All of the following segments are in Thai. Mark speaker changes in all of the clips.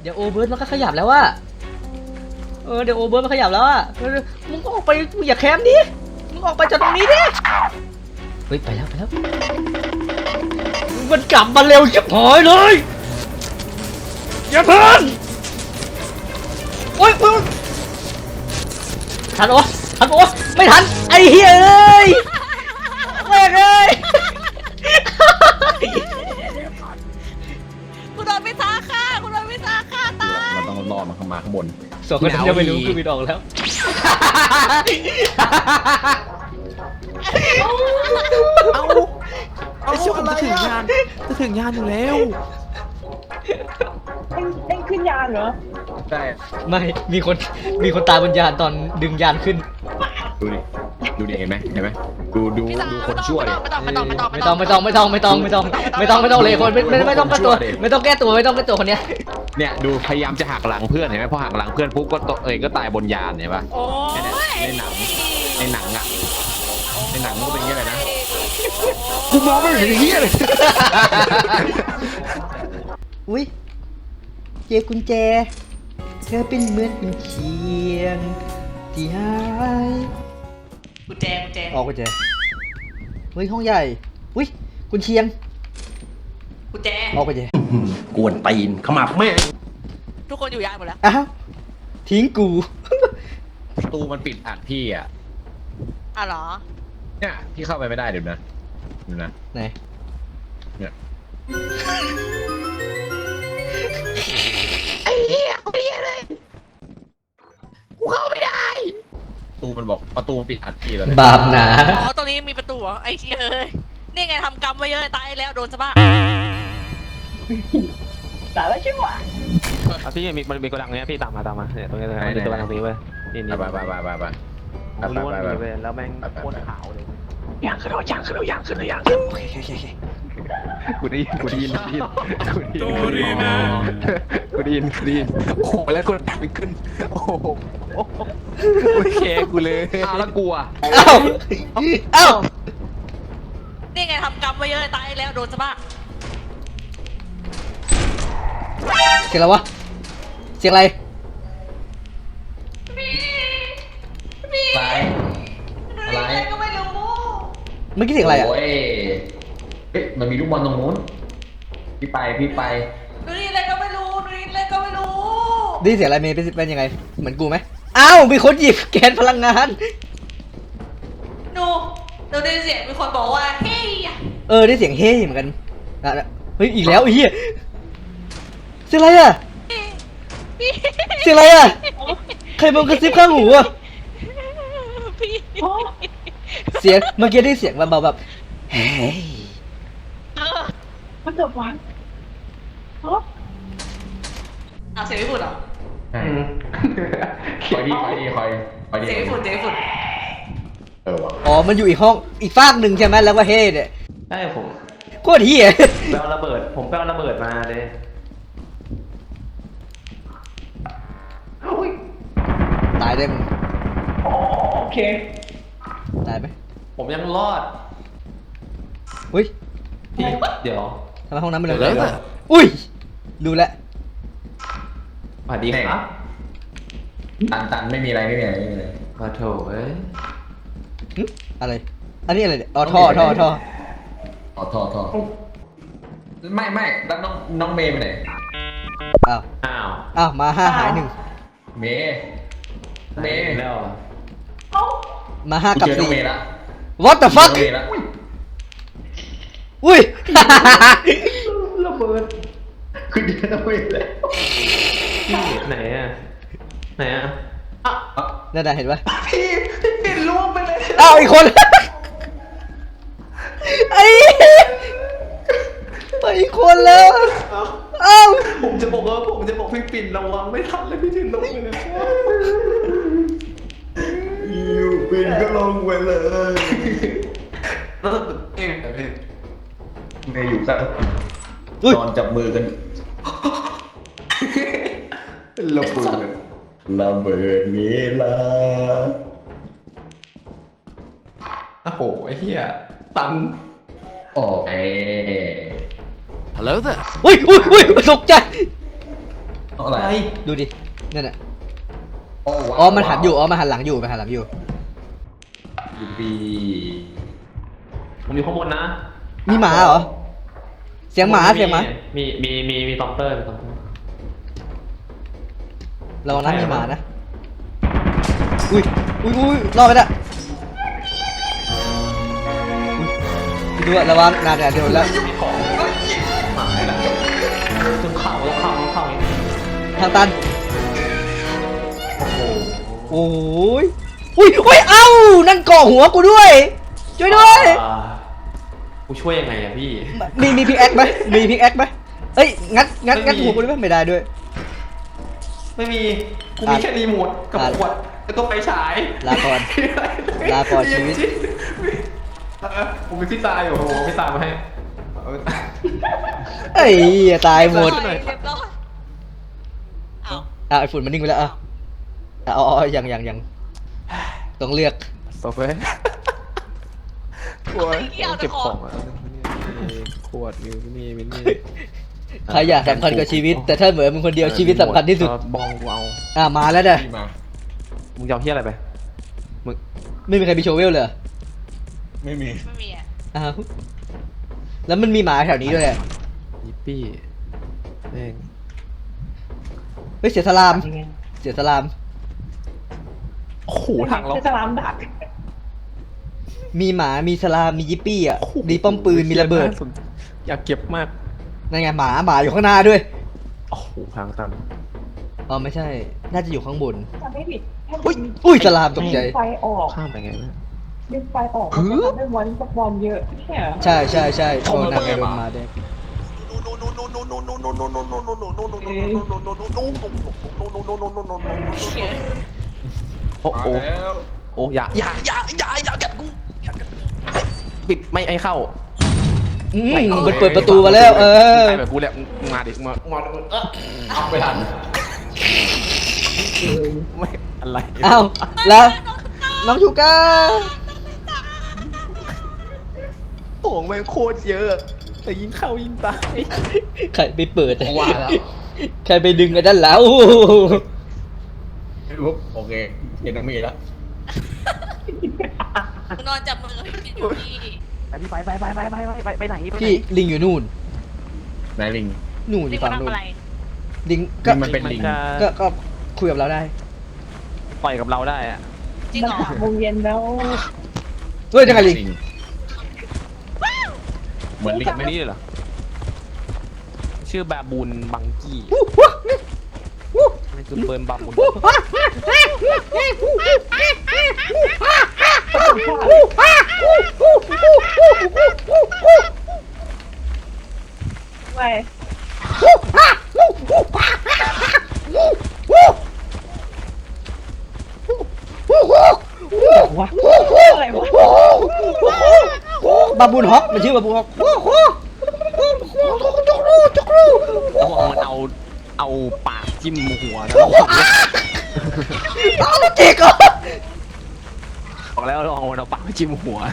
Speaker 1: เดี๋ยวโอเบิร์ตมันก็ขยับแล้วว่าเดี๋ยวโอเบิร์ตมันขยับแล้วอ่ะมึงก็ออกไปอย่าแคมดิมึงออกไปจากตรงนี้ดิเฮ้ยไปแล้วมันกลับมาเร็วชิบหายเลยอย่าเพิ่งโอ๊ยทันโอ๊ตไม่ทันไอ้เหี้ยเอ้ยแม่งเอ้ย
Speaker 2: กูโดนพิซซ่าฆ่าตาย
Speaker 3: เราต้องรอมันเข้ามาข้างบน
Speaker 1: สองคนนั้นยังไม่รู้คือมีดอกแล้ว
Speaker 4: ไอ้เชี่ยผมจะถึงยานอยู่แล้ว
Speaker 5: เอ็งขึ้นยานเหรอ
Speaker 3: ใช่
Speaker 1: ไม่มีคนตายบนยานตอนดึงยานขึ้น
Speaker 3: ดูดิเห็นไหมดูคนชั่วดิ
Speaker 1: ไม่ต้องเลยคนไม่ต้องแก้ตัวไม่ต้องแก้ตัวคนเนี้ย
Speaker 3: เนี่ยดูพยายามจะหักหลังเพื่อนเห็นไหมพอหักหลังเพื่อนปุ๊บก็ก็ตายบนยานเห็นปะ
Speaker 2: โอ้ย
Speaker 3: ในหนังอ่ะในหนังมันก็เป็นอย่างนี้เลยนะกูมองไม่เห็นเหี้ยเลย
Speaker 1: อุ้ยเจกุญแจเธอเป็นเหมือนกุญเชียงที่หาย
Speaker 2: กุญแจ
Speaker 1: ออกกุญแจเฮ้ยห้องใหญ่อุ้ยกุญเชียง
Speaker 2: กุญแจ
Speaker 1: ออกกุญแจ
Speaker 4: กวนตีนขมับแม่
Speaker 2: ทุกคนอยู่ยานหมดแล้ว
Speaker 1: อ้าวทิ้งกู
Speaker 3: ประตูมันปิดอัดพี่อ่ะ
Speaker 2: เหรอ
Speaker 3: เนี่ยพี่เข้าไปไม่ได้เดี๋ยวนะ
Speaker 1: ไหน
Speaker 3: เนี่ย
Speaker 2: ไอ้เหี้ยกูเหี้ยเลยกูเข้าไม่ได้
Speaker 3: ประตูมันบอกประตูปิดอัดพี่แล้ว
Speaker 1: บาปหนา
Speaker 2: อ๋อตรงนี้มีประตูเหรอไอ้เหี้ยเอ้ยนี่ไงทำกรรมไว้เยอะตายแล้วโดนซะบ้าง
Speaker 5: แต่แล้วใช่ไหม
Speaker 4: พี่มันมีกระดังเนี้ยพี่ตามมาเนี่ยตรงนี้เลยมันมีกระดังตรงนี้เว้ยนี่
Speaker 3: ไป
Speaker 4: ผมรู้ว่ามีเว้ยแล้วแม่งโคตรขาวเลยย่างขึ้นแล้วโอเคกูได้ยินโอ้โหแล้วกูดังขึ้นโอ้โหโอเคกูเลย
Speaker 3: อ้าวแล้วกลัว
Speaker 1: เอ้า
Speaker 2: นี่ไงทำกรรมไว้เยอะตายแล้วโดนซะบ้าง
Speaker 1: เสียงอะไรวะเสียงอะไร
Speaker 3: อะไร
Speaker 2: ก็ไม่รู้
Speaker 1: เมื่อกี้เสียงอะไรอ่ะ
Speaker 3: โอ้ยเฮ้ยมันมีลูกบอลตรงนู้นพี่ไป
Speaker 2: ดูนี่อะไรก็ไม่รู้
Speaker 1: ได้ยินเสียงอะไรเมย์เป็นยังไงเหมือนกูไหมอ้าวมีคนหยิบแกนพลังงาน
Speaker 2: ดูได้เสียงมีคนบอกว่าเฮ้ย
Speaker 1: ได้เสียงเฮ้เหมือนกันเฮ้ยอีกแล้วไอ้เหี้ยเสียงอะไรอ่ะเสียงอะไรอ่ะใครมากระซิบข้างหูอ่ะ
Speaker 2: พี่
Speaker 1: เสียงเมื่อกี้ได้เสียงเบาๆแบบเฮ้ย
Speaker 5: มันจะวันฮะ
Speaker 2: เอาเสียงญี่ปุ่นเหรอ
Speaker 3: คอยดี
Speaker 2: เสียงญี่ปุ่น
Speaker 3: ว่ะ
Speaker 1: อ๋อมันอยู่อีกห้องอีกฟากหนึ่งใช่ไหมแล้วว่าเฮ้เนี่ย
Speaker 4: ใช่ผม
Speaker 1: โคตรเหี้ย
Speaker 4: ไปเอาระเบิดมาเลย
Speaker 1: ตายได้มึง
Speaker 5: โอเค
Speaker 1: ตายไหม
Speaker 4: ผมยังรอด
Speaker 1: อุ้ย
Speaker 4: พี่เดี๋ยว
Speaker 1: ทำไมห้องน้ำมันเลยอุ้ยดูแลว
Speaker 4: สวัสดีครับ
Speaker 3: ตันไม่มีอะไร
Speaker 4: ขอโทษเอ้ย
Speaker 1: หึอะไรอันนี้อะไรเนี่ยอ๋อท่อ
Speaker 3: อ๋อท่อไม่แล้วน้องเมย์ไปไหน
Speaker 1: อ้าว
Speaker 4: อ้าว
Speaker 1: มา5หาย1
Speaker 3: เมย์
Speaker 4: แล้ว
Speaker 1: มา5กับ
Speaker 3: เจอน้องเมย์ละ
Speaker 1: 4 What the fuck
Speaker 3: เจอน้องเมย์ละ
Speaker 1: อุ้ย
Speaker 4: ระเบิด
Speaker 3: คือเจอน้องเมย์แล้ว
Speaker 4: ไหนอ่ะ
Speaker 1: นั่นน่ะเห็นปะ
Speaker 4: พี่ปิดล่วงไปเลย
Speaker 1: อ้าวอีกคนไอ้ไปอีกคนแล้วอ้าว
Speaker 4: ผมจะบอกพี่ปิ่นระวังไม่ทันเลยพี่ถึงลงไปเลย
Speaker 3: อยู่เป็นก็ลงไปเลย
Speaker 4: แล้วเองพี่
Speaker 3: เมย์อยู่กัน
Speaker 1: อุ้ย
Speaker 3: นอนจับมือกันระเบิดเวลา
Speaker 4: โอ้โหไอ้เหี้ยตัน
Speaker 3: โอเค
Speaker 4: Hello there
Speaker 1: อุ้ยตกใจ
Speaker 3: อะไร
Speaker 1: ดูดินั่นน่ะ
Speaker 3: โอ้ว้าว
Speaker 1: อ๋อมันหันอยู่อ๋อมันหันหลังอยู่มันหันหลังอยู่
Speaker 3: ยูบี
Speaker 4: ผมอยู่ข้างบนนะ
Speaker 1: มีหมาเหรอเสียงหมาเสียงหมา
Speaker 4: มีตอมเตอร์มีตอมเตอร์
Speaker 1: ระวังนะมีหมานะอุ้ยรอดไปละอุ๊ยดูอะระวังนานเนี่ยเดี๋ยวแล้ว
Speaker 4: มีของหายแล้วต้องเข้าอย่างนี้
Speaker 1: ทางตัน
Speaker 4: โอ้โห
Speaker 1: โอ้ยอุ้ยเอ้านั่นเกาะหัวกูด้วยช่วยด้วย
Speaker 4: กูช่วยยังไงอะพี่
Speaker 1: มีพิกแอคไหมมีพิกแอคไหมเอ้ยงัดหัวกูได้ไหมไม่ได้ด้วย
Speaker 4: ไม่มี กูมีแค่รีโมทกับขวดไอ้ตัวไฟฉาย
Speaker 1: ลาก่อนลาก่อนชีวิต
Speaker 4: ผมเป็นพี่ตายอยู่โอ้โหพี่ตายมาให้
Speaker 1: เอ้ยตายหมด
Speaker 2: เรียบร้อยเอา
Speaker 1: ไอ้ฝุ่นมันนิ่งไปแล้วเอาอย่างต้องเลือก
Speaker 4: สต็อปเว้ยเก็บของอ่ะขวดมินี่
Speaker 1: ใครอยากสำคัญกับชีวิต แต่ถ้าเหมือนมึงคนเดียวชีวิตสำคัญที่สุด
Speaker 4: บองกูเอา
Speaker 1: มาแล้วเด้อ
Speaker 3: พี่มา
Speaker 4: มึงจะเอาที่อะไรไป มึง
Speaker 1: ไม่มีใครมีโชเวลเลยเหรอ
Speaker 3: ไม่มี
Speaker 2: ไม่มีอ่ะ
Speaker 1: อ้าวแล้วมันมีหมาแถวนี้ด้วยอะ
Speaker 4: ยิปปี้แม่ง
Speaker 1: เฮ้ยเสียสลาม
Speaker 4: โอ้โหทางเรา
Speaker 5: จะลามดัก
Speaker 1: มีหมามีสลามมียิปปี้อ่ะมีป้อมปืนมีระเบิด
Speaker 4: อยากเก็บมาก
Speaker 1: นั่นไงหมาอยู่ข้างหน้าด้วย
Speaker 4: โอ้โหทางตัน
Speaker 1: อ๋อไม่ใช่ น่าจะอยู่ข้างบน
Speaker 5: จะไม่ผิดแค่
Speaker 1: อุ้ยสลามตกใจ
Speaker 5: ไฟออก
Speaker 4: ข้ามไปไงวะ
Speaker 5: ดึงไฟออกมันจะทำให้วันสักวันเยอะใช่เหรอ
Speaker 1: ใช่โอ้นางไงโดนมาแดง
Speaker 4: โอ้โห
Speaker 3: มาแล้ว
Speaker 4: โอ้อย่ากัดกูปิดไม่ให้เข้า
Speaker 1: มันเปิดประตูมาแล้ว
Speaker 4: ไปแบบกูแหละมาดิมา
Speaker 3: เอาไปทัน
Speaker 4: ไม่อะไร
Speaker 1: อ้าวแล้วน้องชูก้า
Speaker 4: ของแม่งโคตรเยอะแต่ยิงเข้ายิงตาย
Speaker 1: ใครไปเปิด
Speaker 3: ว่าแล้ว
Speaker 1: ใครไปดึงไอ้ด้านแล้ว
Speaker 3: ปุ๊บโอเคเห็นน้องเมย์แล้ว
Speaker 2: นอนจับมือกับพี่อยู่ที่
Speaker 4: ไปไหน
Speaker 1: พี่ลิงอยู่นู่น
Speaker 3: นายลิง
Speaker 1: นู่นอ
Speaker 2: นี่
Speaker 1: ยู่
Speaker 2: มั
Speaker 1: ฝั่
Speaker 2: น
Speaker 1: งนู่
Speaker 2: ทำ
Speaker 1: น
Speaker 2: อะไร
Speaker 1: ลิงก็
Speaker 3: มันเป็นลิง
Speaker 1: ก็คุยกับเราได้
Speaker 4: ต่อยกับเราได้อะ
Speaker 2: จริง
Speaker 5: มัน
Speaker 2: เหรอ
Speaker 5: 3 โมงเย็นแล้ว
Speaker 1: เฮ้ยยังไงลิง
Speaker 3: เหมือนลิง
Speaker 4: ไม่นี่เลยเหรอชื่อบาบูนบังกี้นี่คือเบิร์นบาบูน
Speaker 5: ไปวะอะไรวะ
Speaker 1: บาบูนฮอกมันชื่อบาบูนฮอก
Speaker 4: แล้วบอกมันเอาปากจิ้มหัวนะ
Speaker 1: อ้าวเจ๊กเหรอ
Speaker 4: บอกแล้วลองเอาปากจิ้มหัว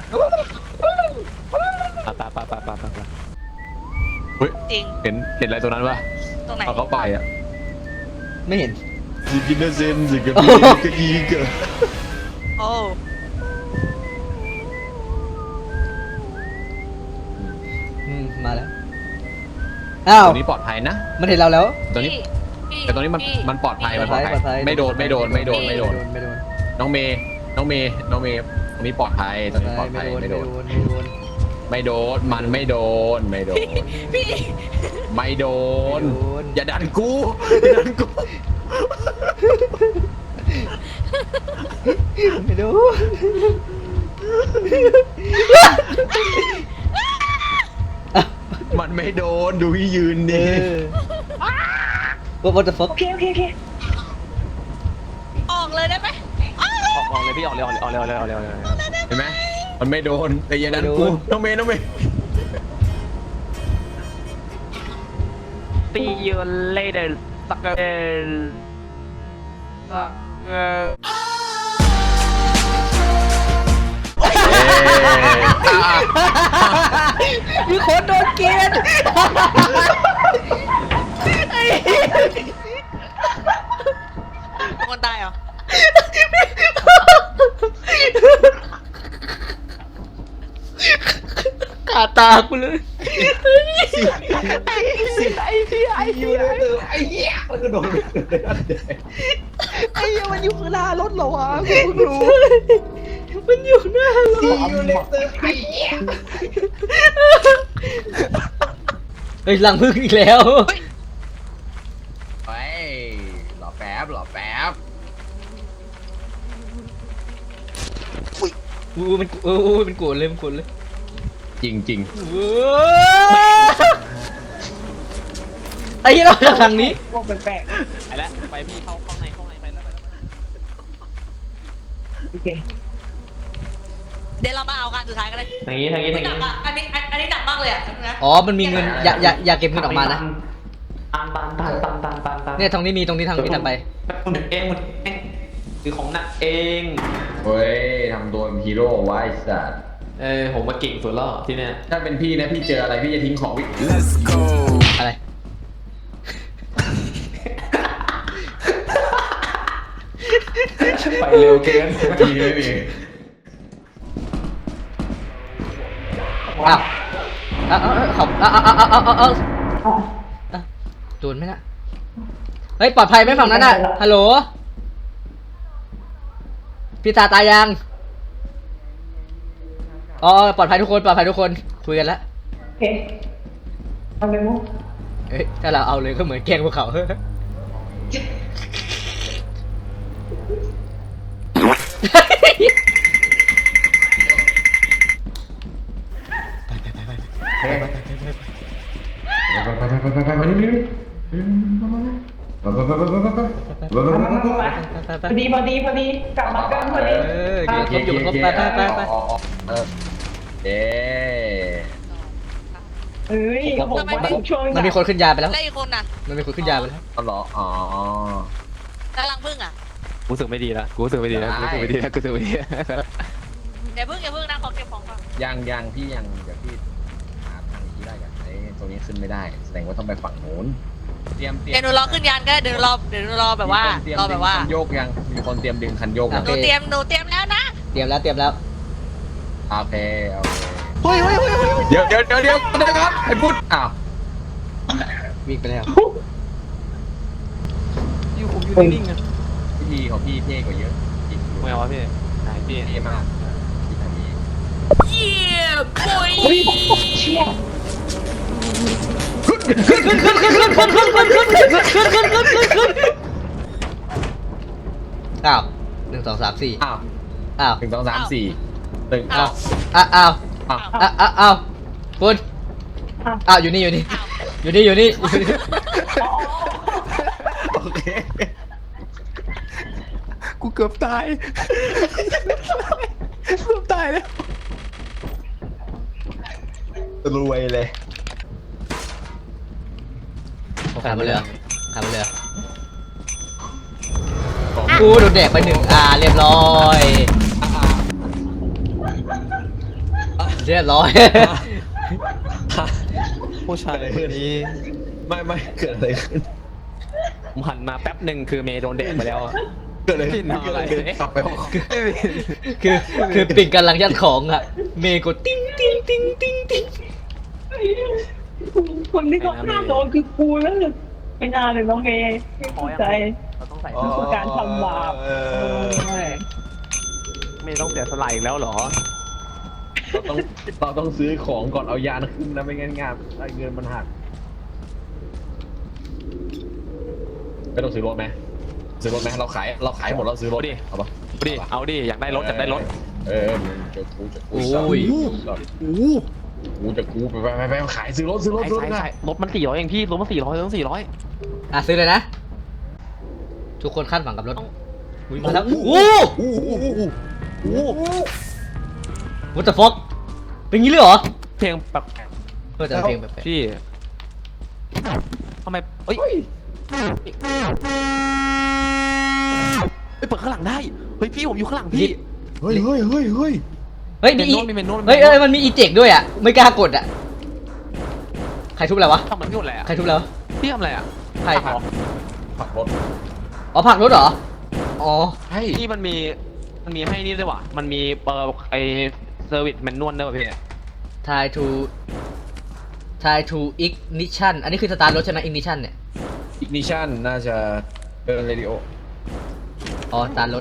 Speaker 4: ไป
Speaker 3: เฮ้ย
Speaker 2: จริง
Speaker 4: เห็นอะไรตัวนั้นปะ
Speaker 2: ตรงไหน
Speaker 3: เอาเข้าไปอ่ะ
Speaker 1: ไม่เห็น
Speaker 3: สิกินเซนสิกินกะอีกะ
Speaker 2: โอ้
Speaker 1: มาแล้วอ้าว
Speaker 3: ตัวนี้ปลอดภัยนะ
Speaker 1: มันเห็นเราแล้ว
Speaker 3: ตัวนี้
Speaker 2: พี่
Speaker 3: แต่ตัวนี้มันปลอดภัยมันปลอดภัย
Speaker 1: ปลอดภัย
Speaker 3: ไม่โดน
Speaker 1: ไม่โดน
Speaker 3: น้องเมย์ตรงนี้ปลอดภัยตรงนี้ปลอดภัยไม่โดนมันไม่โดน
Speaker 2: พี่
Speaker 3: ไม่โดน
Speaker 1: ไม่โดน
Speaker 3: อย่าดันกู
Speaker 1: ไม่ดู
Speaker 3: มันไม่โดนดูที่ยืนดิ
Speaker 1: What the fuck
Speaker 5: โอเค
Speaker 2: ออกเลยได้ไหมอ้าว
Speaker 4: ออกเลยพี่ออกเลย
Speaker 3: เห็นไหมมันไม่โดนแต่อย่าดันกูน้องเมย์
Speaker 4: ตีเยอะเลยเดินสัก
Speaker 1: มีคนโดนเกณฑ์
Speaker 2: คนตายเหรอ
Speaker 1: ขาตากูเลย
Speaker 3: อยู่ในเตอไอ้เหี้ยมันก็โดนเลย
Speaker 4: ไอ้เหี้ยมันอยู่ข้างหน้ารถเหรอวะกูเพิ่งรู้
Speaker 1: มันอยู่หน้ารถ
Speaker 3: อยู่ในเตอไอ้เหี้ย
Speaker 1: เฮ้ยหลังพึ่งอีกแล้ว
Speaker 3: เฮ้ยรอแป๊บรอแป๊บ
Speaker 1: มันมันโกรธเลยมันโกรธเลย
Speaker 3: จริงจริง
Speaker 1: ไอ้เหี้ยเราจากทางนี้
Speaker 5: พวกแปลก
Speaker 4: ไปแล้วไปพี่เข้าข้างในไปแล้ว
Speaker 5: ๆโอเค
Speaker 2: เดี๋ยวเรามาเอาการสุดท้ายกันเลย
Speaker 4: ทางนี้ทางนี้ทาง
Speaker 2: หนั
Speaker 4: นี้
Speaker 2: กอ่ะอันนี้หนักมากเลยอ่ะนะ
Speaker 1: อ๋อมันมีเงินอย่าเก็บเงินออกมานะ
Speaker 4: ตัน
Speaker 1: เนี่ยตรงนี้มีตรงนี้ทางนี้ถัดไป
Speaker 4: มึงเองคือของหนักเอง
Speaker 3: เฮ้ยทำตัวเป็นฮีโร่ไว้สัตว์
Speaker 4: ผมมาเก่งสุดแล้วที่เนี่ย
Speaker 3: ถ้าเป็นพี่นะพี่เจออะไรพี่จะทิ้งของพี่
Speaker 1: อะไร
Speaker 4: ไปเร็วเกิน
Speaker 3: ไม่มี
Speaker 1: อ้าวเอาโดนไหมน่ะเฮ้ยปลอดภัยไหมฝั่งนั้นน่ะฮัลโหลพี่ตาตายยังอ๋อปลอดภัยทุกคนคุยกันแล้ว
Speaker 5: โอเคเอาเลยมั้ง
Speaker 1: เอ้ยถ้าเราเอาเลยก็เหมือนแกล้งพวกเขา
Speaker 3: ไปนี่
Speaker 5: พอดีกลับมากันพอดี
Speaker 1: เก็บอยู่ครบไป
Speaker 3: เอ๊
Speaker 5: เอ้ยเขาบอกว่าช่วง
Speaker 1: มันมีคนขึ้นยาไปแล้ว
Speaker 2: แล้วอีกคนน่ะ
Speaker 1: มันมีคนขึ้นยาไปแล้ว
Speaker 3: เอาเหรออ๋อก
Speaker 2: ำลังพึ่งอ่ะ
Speaker 4: กูรู้สึกไม่ดีแล้วกูรู้สึกไม่ดีแล้ว
Speaker 2: อย่าพึ่งนะขอเก็บของก่อน
Speaker 3: ยังพี่ยังเดี๋ยวพี่หาทางที่ได้กันไอ้ตรงนี้ขึ้นไม่ได้แสดงว่าต้องไปฝั่งโน้นเตรียม
Speaker 2: เดี๋ยวหนูรอขึ้นยานก็ได้เดี๋ยวหนูรอแบบว่า รอแบบว่า
Speaker 3: คันโยกยังมีคนเตรียมดึงคันโยกยัง
Speaker 2: หนูเตรียมแล้วนะ
Speaker 1: เตรียมแล้ว
Speaker 3: โอเคเดี๋ยวนะครับไอ้พุทธอ้าว
Speaker 1: วิ่งไปแล้ว
Speaker 4: อยู่ผมอยู่นิ่งๆอ่ะ
Speaker 3: พิธีของพี่เท่กว่าเยอะจริง
Speaker 4: ไม่เอาวะพี่ไหนพี่
Speaker 3: เท่มากพี่ทำนี้
Speaker 2: เยี่ยมปุย
Speaker 5: เชี่ย
Speaker 1: อ้าว1 2 3 4
Speaker 3: อ้าว
Speaker 1: อ้าว
Speaker 3: 1 2 3 4 1
Speaker 2: อ้าว
Speaker 1: อ้าว
Speaker 3: อ้าว
Speaker 1: อ้าวคุณอ้าวอยู่นี่
Speaker 3: โอเค
Speaker 4: กูเกือบตายแล้ว
Speaker 3: รวยเลย
Speaker 1: ขาดไปเลยกูโดนแดกไป1เรียบร้อย
Speaker 4: ผู้ชายคนนี้
Speaker 3: ไม่เกิดอะไรขึ้น
Speaker 4: ผมหันมาแป๊บหนึ่งคือเมย์โดนแดกไปแล้วอ่ะ
Speaker 3: เกิดอะไร
Speaker 4: พี่ทำอะไร
Speaker 3: กลับไปห้อง
Speaker 1: คือปิ่งกำลังยัดของอ่ะเมย์กดติ้ง
Speaker 5: คนที่เขาฆ่าโดนคือกูแล้วไม่น่าเลยน้องเมย์ไม่เข้าใจ
Speaker 4: เราต้องใส่
Speaker 5: นี่คือการทำบาปไม่
Speaker 4: เมย์ต้องเสียสละอีกแล้วเหรอ
Speaker 3: เราต้องซื้อของก่อนเอายานขึ้นนะไม่งั้นงานเงินมันหักไม่ต้องซื้อรถไหมเราขายหมดเราซื้อรถ
Speaker 4: ดิ
Speaker 3: เอาปะ
Speaker 4: เอาดิอยากได้รถ
Speaker 3: จะกู
Speaker 1: โอ้ย
Speaker 3: กูจะกูไปขายซื้อรถ
Speaker 4: ใช่รถมัน400เองพี่รถมัน400ต้อง400
Speaker 1: ซื้อเลยนะทุกคนคาดหวังกับรถมาแล้วWhat the fuck เป็นงี้เลยเหรอ
Speaker 4: เพลงแบบ
Speaker 1: แต่เพลงแบบ
Speaker 4: พี่ทำไมเอ้ยเปิดข้างหลังได้เฮ้ยพี่ผมอยู่ข้างหลังพี่
Speaker 3: เฮ้ย
Speaker 1: เฮ้ย
Speaker 4: มีเมนโน้ต
Speaker 1: เฮ้ยมันมีอีเจกด้วยอ่ะไม่กล้ากดอ่ะใครทุบอะไรวะ
Speaker 4: ทำมันพี่หมดแหละ
Speaker 1: ใครทุบแล้ว
Speaker 4: พี่ทำอะไรอ่ะ
Speaker 1: ใคร
Speaker 3: ผักรถ
Speaker 1: อ๋อผลักรถเหรอ อ๋อ
Speaker 3: ใช่
Speaker 4: พี่มันมีให้นี่ด้วยว่ะมันมีไอเซอร์วิสแมนนวลด้วยว่ะพี่
Speaker 1: try to ignition อันนี้คือสตาร์ทรถใช่ไหม ignition เนี่ย
Speaker 3: อิกนิชันน่าจะเดินเรดิโอ
Speaker 1: อ๋อสตาร์ทรถ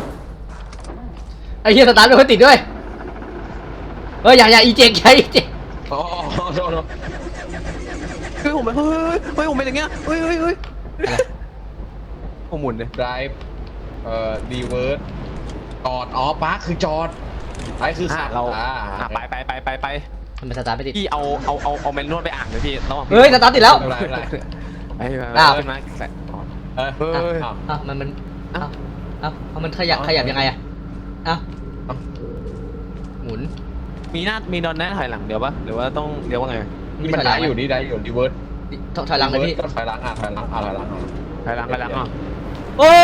Speaker 1: ไอ้เหี้ยสตาร์ทรถไม่ติดด้วยเฮ้ยอย่าอีเจกใช้อีเจก
Speaker 3: อ๋อโทษ
Speaker 4: เฮ้ยผมผมเป็นอย่างเงี้ยเฮ้ยผมหมุนเลย
Speaker 3: drive รีเวิร์สจอดอ๋อปาร์คคือจอดไอ้คือขับ
Speaker 4: เรา ไป
Speaker 1: ทำไมสตาร์ทไม่ติด
Speaker 4: พี่เอาแมนนวลไปอ่านเลยพี่ระหว่าง
Speaker 1: เฮ้ยสตาร์ทติดแล้ว
Speaker 3: ไม่เป็นไรไม่เป็นไร
Speaker 4: ไป
Speaker 1: อ้าว
Speaker 4: ขึ้นมาใส่
Speaker 3: เฮ้ย
Speaker 1: อ้าวมันมันขยับยังไงอะอ้าวหมุน
Speaker 4: มีนอนแน่ถอยหลังเดี๋ยวปะหรือว่าต้องเดี๋ยวว่าไง
Speaker 3: นี่มันได้อยู่นี่ได้อยู่รีเวิร์ส
Speaker 1: ถอยหลังเลยพี่
Speaker 3: ก็ถอยหลังถอยหลังถอยหลัง
Speaker 4: ถอยหลังอ่ะ
Speaker 1: โอ้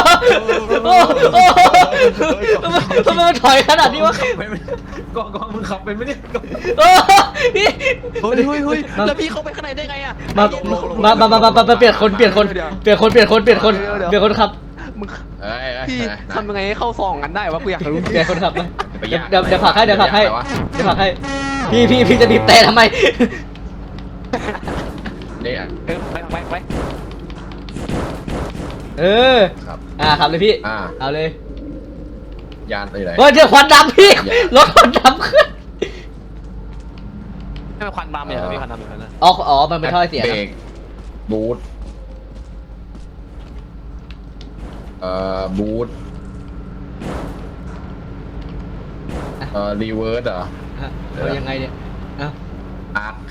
Speaker 1: ทำไมมันถอยขนาดนี้วะ
Speaker 3: กองมึงขับเป็นไหมเนี่ย
Speaker 1: โอ้พี่
Speaker 4: เฮ้ยแล้วพี่เข้าไปข้างในได้ไงอ่ะ
Speaker 1: มาเปลี่ยนคนครับ
Speaker 4: มึงพี่ทำยังไงให้เข้าซองกันได้วะกูอยากรู้
Speaker 1: เปลี่ยนคนขับมาเดี๋ยวผลักให้พี่จะบีบแต่ทำไม
Speaker 3: เนี่ย
Speaker 4: ไป
Speaker 1: เออ
Speaker 3: ครับ
Speaker 1: ขับเลยพี่ เอาเลย
Speaker 3: ยานไปไหน
Speaker 1: เฮ้ยเจอควันดำพี่รถควันดำขึ้น
Speaker 4: ให้มันควันดำอย่างพี่ควันดำอย่างนั้นนะ
Speaker 1: อ๋อมันเป็นท่อเสีย
Speaker 3: เบรกบูทบูทรีเวิร์สเหรอ
Speaker 1: เอายังไงเนี่ยอ้าว
Speaker 3: อาร์ค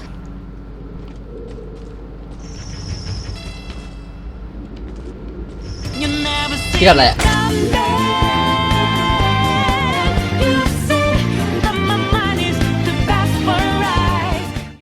Speaker 1: พี่ทำอะไรอ่ะ